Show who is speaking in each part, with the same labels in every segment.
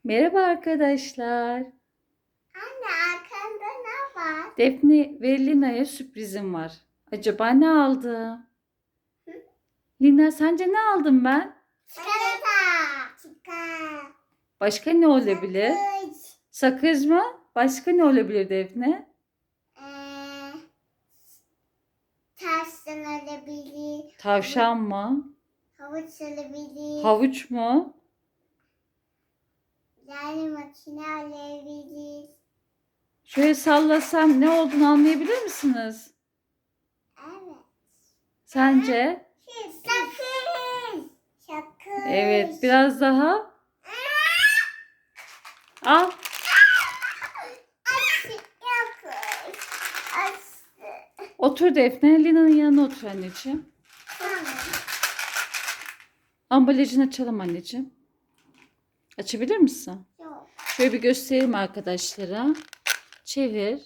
Speaker 1: Merhaba arkadaşlar.
Speaker 2: Anne arkanda ne var?
Speaker 1: Defne ve Lina'ya sürprizim var. Acaba ne aldı? Lina sence ne aldım ben?
Speaker 2: Çikolata. Çikolata.
Speaker 1: Başka ne olabilir?
Speaker 2: Kız.
Speaker 1: Sakız mı? Başka ne olabilir Defne?
Speaker 2: Ee, Tersten olabilir.
Speaker 1: Tavşan mı?
Speaker 2: Havuç olabilir.
Speaker 1: Havuç mu?
Speaker 2: Yani makine olabilir.
Speaker 1: Şöyle sallasam ne olduğunu anlayabilir misiniz?
Speaker 2: Evet.
Speaker 1: Sence?
Speaker 2: Sakız. Sakız.
Speaker 1: Evet, biraz daha. Al.
Speaker 2: Aşı yapış. Aşı.
Speaker 1: Otur Defne. Lina'nın yanına otur anneciğim.
Speaker 2: Tamam.
Speaker 1: Ambalajını açalım anneciğim. Açabilir misin?
Speaker 2: Yok.
Speaker 1: Şöyle bir göstereyim arkadaşlara. Çevir.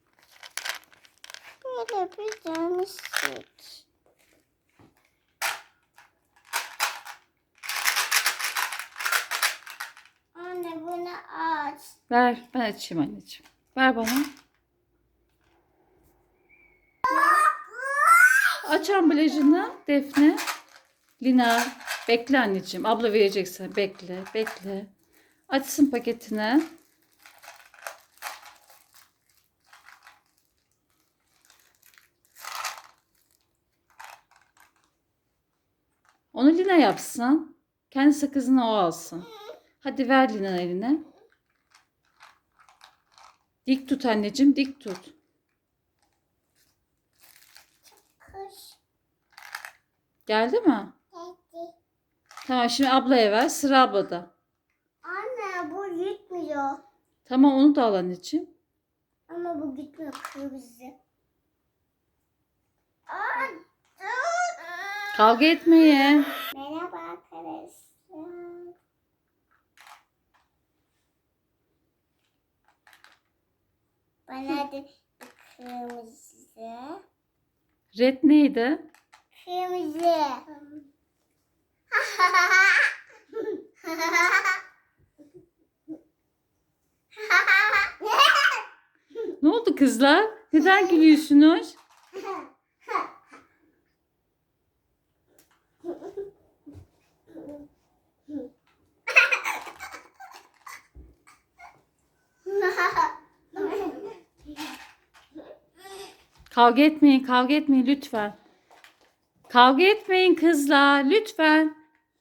Speaker 2: Böyle bir tane süt. Anne bunu aç.
Speaker 1: Ver. Ben açayım anneciğim. Ver bana. Aç ambalajını Defne. Lina. Bekle anneciğim. Abla vereceksin. Bekle. Bekle. Açsın paketini. Onu Lina yapsın. Kendi sakızını o alsın. Hadi ver Lina eline. Dik tut anneciğim. Dik tut.
Speaker 2: Kuş.
Speaker 1: Geldi mi?
Speaker 2: Geldi.
Speaker 1: Tamam şimdi ablaya ver. Sıra ablada.
Speaker 2: Anne bu gitmiyor.
Speaker 1: Tamam onu da al anneciğim.
Speaker 2: Ama bu gitmiyor kırmızı. Aa, dur.
Speaker 1: Kavga etmeyin.
Speaker 2: Merhaba arkadaşlar. Bana da kırmızı.
Speaker 1: Red neydi?
Speaker 2: Kırmızı.
Speaker 1: Ne oldu kızlar? Neden gülüyorsunuz? Kavga etmeyin, kavga etmeyin lütfen. Kavga etmeyin kızlar, lütfen.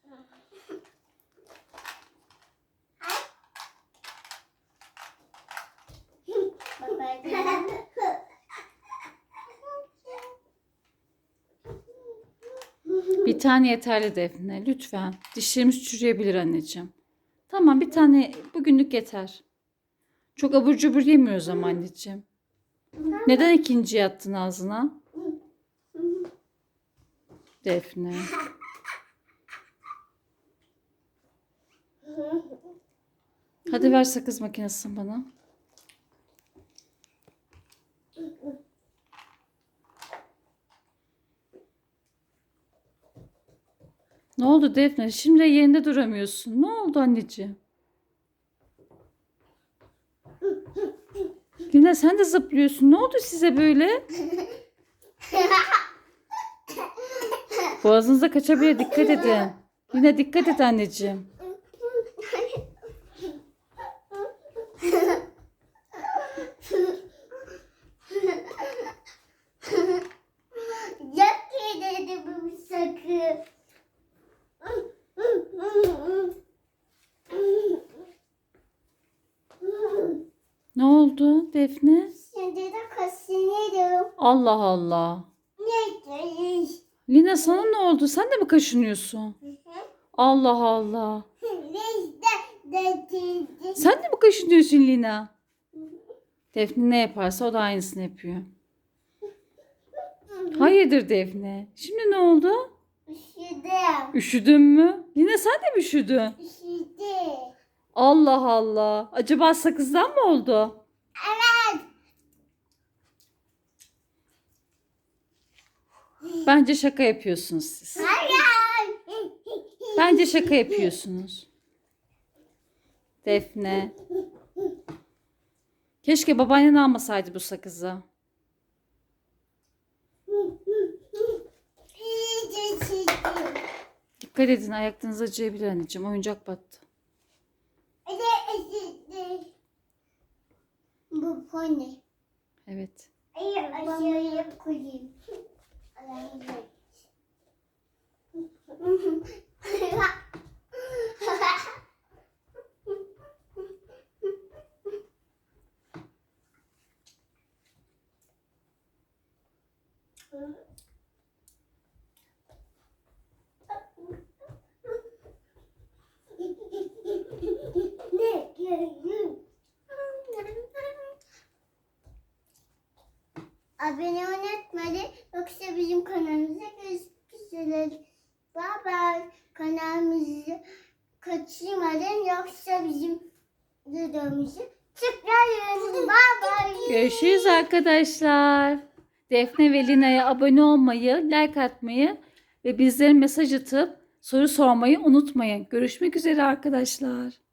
Speaker 1: Bir tane yeterli Defne, lütfen. Dişlerimiz çürüyebilir anneciğim. Tamam, bir tane bugünlük yeter. Çok abur cubur yemiyoruz ama anneciğim. Neden ikinci yattın ağzına? Defne. Hadi ver sakız makinesini bana. Ne oldu Defne? Şimdi yerinde duramıyorsun. Ne oldu anneciğim? Lina sen de zıplıyorsun. Ne oldu size böyle? Boğazınıza kaçabilir. Dikkat edin. Lina dikkat et anneciğim.
Speaker 2: Yok ki dedi bu sakın.
Speaker 1: Ne oldu Defne?
Speaker 2: Şimdi de kaşınıyorum.
Speaker 1: Allah Allah.
Speaker 2: Ne?
Speaker 1: Lina sana ne oldu? Sen de mi kaşınıyorsun? Allah Allah. Sen de mi kaşınıyorsun Lina? Defne ne yaparsa o da aynısını yapıyor. Hayırdır Defne? Şimdi ne oldu?
Speaker 2: Üşüdüm.
Speaker 1: Üşüdün mü? Lina sen de mi üşüdün?
Speaker 2: Üşüdüm.
Speaker 1: Allah Allah. Acaba sakızdan mı oldu?
Speaker 2: Evet.
Speaker 1: Bence şaka yapıyorsunuz siz.
Speaker 2: Hayır.
Speaker 1: Bence şaka yapıyorsunuz. Defne. Keşke babaannen almasaydı bu sakızı. Dikkat edin, ayaklarınız acıyabilir anneciğim. Oyuncak battı.
Speaker 2: Bu pony.
Speaker 1: Evet.
Speaker 2: Aşağıya koyayım. Ne görüyorum? Abone unutmadı. Yoksa bizim kanalımıza gözükürüz. Bye bye. Kanalımızı kaçırmayın. Yoksa bizim videomuzu tıklayın. Bye bye.
Speaker 1: Görüşürüz arkadaşlar. Defne ve Lina'ya abone olmayı, like atmayı ve bizlere mesaj atıp soru sormayı unutmayın. Görüşmek üzere arkadaşlar.